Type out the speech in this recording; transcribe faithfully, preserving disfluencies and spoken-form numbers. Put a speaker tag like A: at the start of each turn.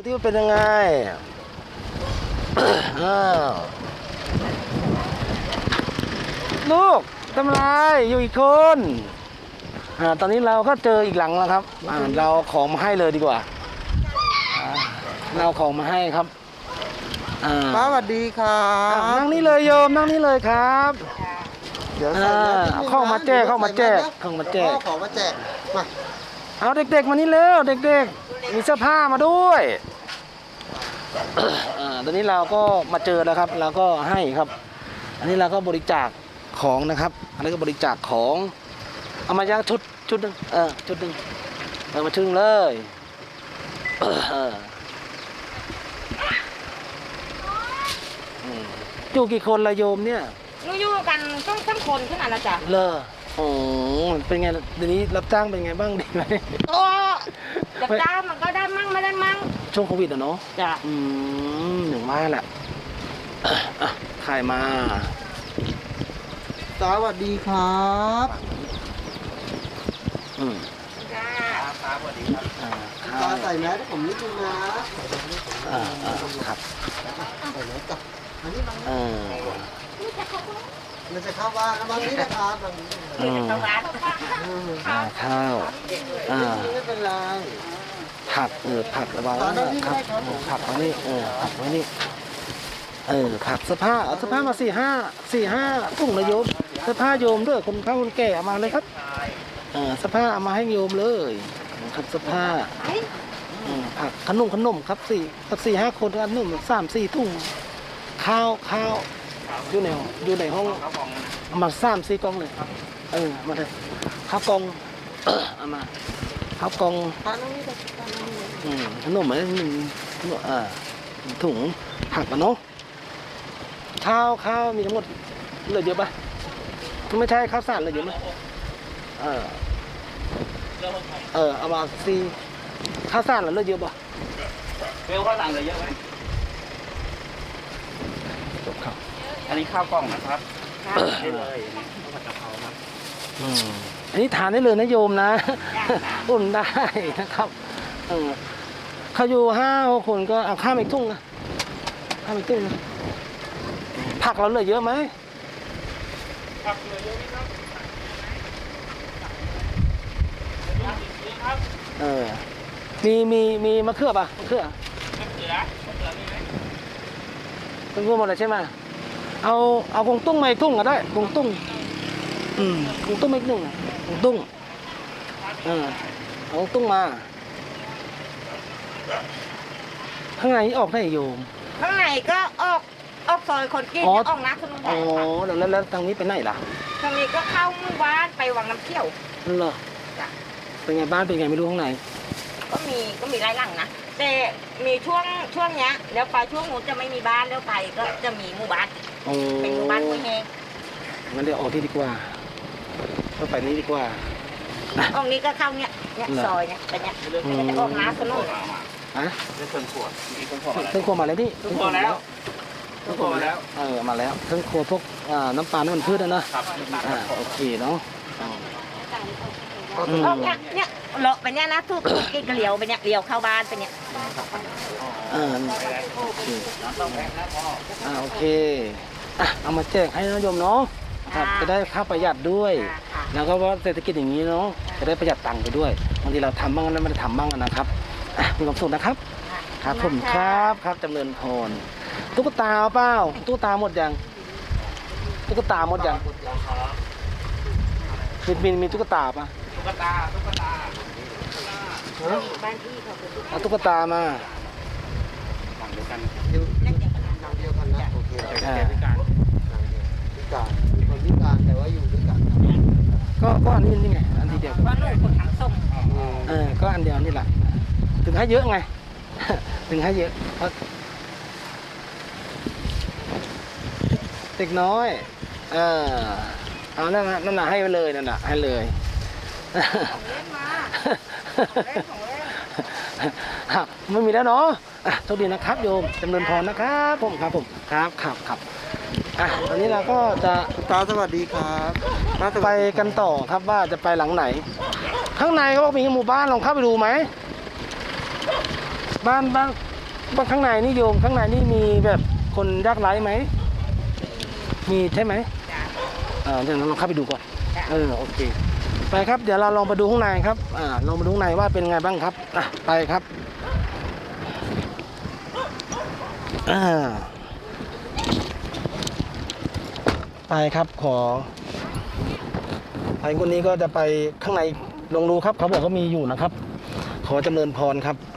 A: ที่มันเป็นยังไงอ้าวลูกทำไรอยู่อีกคนอ่าตอนนี้เราก็เจออีกหลังแล้วครับอ่าเราของมาให้เลยดีกว่าเราของมาให้ครับอ่า
B: ป้าสวัสดีครับ
A: นั่งนี่เลยโยมนั่งนี่เลยครับ
B: เดี๋ยวใส่แมสนิดนึงนะ
A: เข้ามาแจกเข้ามาแจกเข้ามาแจก
B: ขอมาแจกมา
A: เอาเด็กๆมานี่เร็วเด็กๆมีเสื้อผ้ามาด้วยอ่าตอนนี้เราก็มาเจอแล้วครับเราก็ให้ครับ อันนี้เราก็บริจาคของนะครับ อันนี้ก็บริจาคของเอามาย่างชุดชุดหนึงเออชุดหนึงเอามาชึ่งเลยเอออืมอยู่กี่คนละโยมเนี่ย
C: หนูอยู่กันต้องทั้งคนขึ้นมาแล้วจ้ะ
A: เลอโอ้เป็นไงเดี๋ยวนี้รับจ้างเป็นไงบ้างดีไหม
C: โอ้จับจ้างมันก็ได้มั่งไม่ได้มั่ง
A: ช่วงโควิดอะเนาะ
C: จ้ะ
A: อืมหนึ่งว่าแหละอ่ะขายมา
B: สวัสดีครับ
A: อืม
C: จ้า
A: อ่า
B: ตาใส่แมสให้ผมนิดนึงนะ
A: อ่าอ่าครับ
B: ใส่แมสกับอันนี้มัน
A: เออ
B: มันจะเข้าบ้านแล้วบางนี้นะครับบางนี้
A: อืม
C: ทำร้าน
A: อ่าข้าวอ่า
B: ไม่เป็นไร
A: ผักเออผักระวังนะครับเออผักไว้นี่เออผักไว้นี่เออผักเสื้อผ้าเอาเสื้อผ้ามาสี่ห้าสี่ห้าถุงนะโยมเสื้อผ้าโยมด้วยคนเฒ่าคนแก่เอามาเลยครับเออเสื้อผ้าเอามาให้โยมเลยครับเสื้อผ้าอืมผักขนมขนมครับสี่สักสี่ห้าคนขนมสามสี่ถุงข้าวข้าวอยู่ในอยู่ในห้องเอามาสามสี่กล่องเลยเออมาเลยข้าวกล่องเอามาข้าวกล่อง
B: ตาน้องนี่ตาน้องนี่
A: อืมขนมอะไรหนึ่งอ่าถุงผักอะเนาะข้าวข้าวมีทั้งหมดเหลือเยอะปะไม่ใช่ข้าวสารเหลือเยอะไหมเออเออเอามาซีข้าวสารเหลือเยอะปะ
D: เวลข้าวหลังเหลือเยอะไหม
A: จบครับ
D: อันนี้ข้าวกล่องนะครับได้เลยข้าวผัดกะเพราครับ
A: อืมอันนี้ทานได้เลยนะโยมนะ อุ่นได้นะครับเออเขาอยู่ห้าหกคนก็เอาข้ามอีกทุ่งนะข้ามอีกทุ่งนะผักเราเหลือเยอะไหม
D: ผักเหลือเยอะไหมครับครับ
A: เออ มีมีมีมะเขือป่ะมะเขือ
D: มะเขือมะเขือมีไหม
A: เป็นพวกหมดเลยใช่ไหมเอาเอากงตุ้งมาอีกตุ้งก็ได้กงตุ้งอืมกงตุ้งมาอีกหนึ่งอะกงตุ้งเออเอากงตุ้งมาข้างในออกได้โยม
C: ข้างในก็ออกออกซอยคนกิน
A: อ๋อ
C: ออกนักขนม
A: อ๋อ
C: แดง
A: แล้วแล้วแล้วทางนี้ไปไหนล่ะ
C: ทางนี้ก็เข้าหมู่บ้านไปวังน้ำเที่ยว
A: นั่นเหรอ
C: จ้ะ
A: เป็นไงบ้านเป็นไงไม่รู้ข้างใน
C: ก็มีก็มีหลายหลังนะแต่มีช่วงช่วงเนี้ยแล้วไปช่วงนู้นจะไม่มีบ้านแล้วไปก็จะมีหมู่บ้าน
A: โอ้
C: เป็นหมู่บ้านห้วยแห้ง
A: งั้นเดี๋ยวออกที่ดีกว่าก็ไปนี้ดีกว่า
C: ออกนี้ก็เข้าเนี้ยเนี้ย
A: เหรอ
C: ซอยเนี้ยเป็นเนี้ย
A: อืม
C: ก็จะออกน้ำขนม
A: ฮะ
D: ได้เครื่องขวดมีเครื่องขวดอะไร
A: เครื่องครัวมาแล้วนี่
D: เครื่องครัวแล้ว เครื่องขวดมาแล้ว
A: เออมาแล้วเครื่องครัวพวกอ่าน้ำปลาน้ำมันพืชนะนะครับ อ่าโอเคเนาะอืม
C: ออกเนี้ยเนี้ยเลาะไปเนี้ยนะทุกกินก็เลี้ยวไปเนี้ยเลี้ยวเข้าบ้านไปเนี้ย
A: เออโอเคอ่าโอเคอ่ะเอามาแจกให้นะโยมเนาะครับจะได้ค่าประหยัดด้วย แล้วก็ว่าเศรษฐกิจอย่างนี้เนาะจะได้ประหยัดตังค์ไปด้วยบางทีเราทำบ้างแล้วไม่ได้ทำบ้างนะครับอ่ะมีความสุขนะครับครับผมครับครับจำเริญพรตุ๊กตาเอาเปล่าตุ๊กตาหมดยังตุ๊กตาหมดยังมีมีมีตุ๊กตาปะ
D: ตุ๊กตาตุ๊กตา
C: บ้านที่เขาเป็นลูก
A: เอาตุ๊กตามา
D: ฝั่งเดียวกัน
C: เล็กอย่างนั้น
B: ทางเดียวกันนะโอเค
D: แต่แกพิการ
B: พิการมีคนพิการแต่ว่าอยู่ด้วยกันนะ
A: ก็ก็อันนี้นี่ไงอันทีเดียว
C: เพราะหนูคนทั้งส่ง
B: อืม
A: เออก็อันเดียวนี่แหละถึงให้เยอะไง ถึงให้เยอะเพราะเด็กน้อยเออเอานั่นนะนั่นน่ะให้ไปเลยนั่นน่ะให้เลย
C: เล่นมาเล่นของเล่น
A: อ่ะไม่มีแล้วเนาะอ่ะโชคดีนะครับโยมจำเริญพรนะครับผมครับผมครับครับครับอ่ะตอนนี้เราก็จะ
B: ตาสวัสดีครับตาส
A: ไป
B: วัสดี
A: กันต่อครับว่าจะไปหลังไหน ข้างในเขาบอกมีหมู่บ้านลองเข้าไปดูไหมบ้านบ้านว่าข้างในนี่โยมข้างในนี่มีแบบคนยากไร้ไหมมีใช่ไหม
C: จ้ะ
A: อ่าเดี๋ยวเราลองเข้าไปดูก่อน
C: จ้ะ
A: เออโอเคไปครับเดี๋ยวเราลองไปดูข้างในครับอ่าลองไปดูข้างในว่าเป็นไงบ้างครับอ่ะไปครับอ่าไปครับขอไปคนนี้ก็จะไปข้างในลองดูครับเขาบอกเขามีอยู่นะครับ ขอจำเริญพรครับ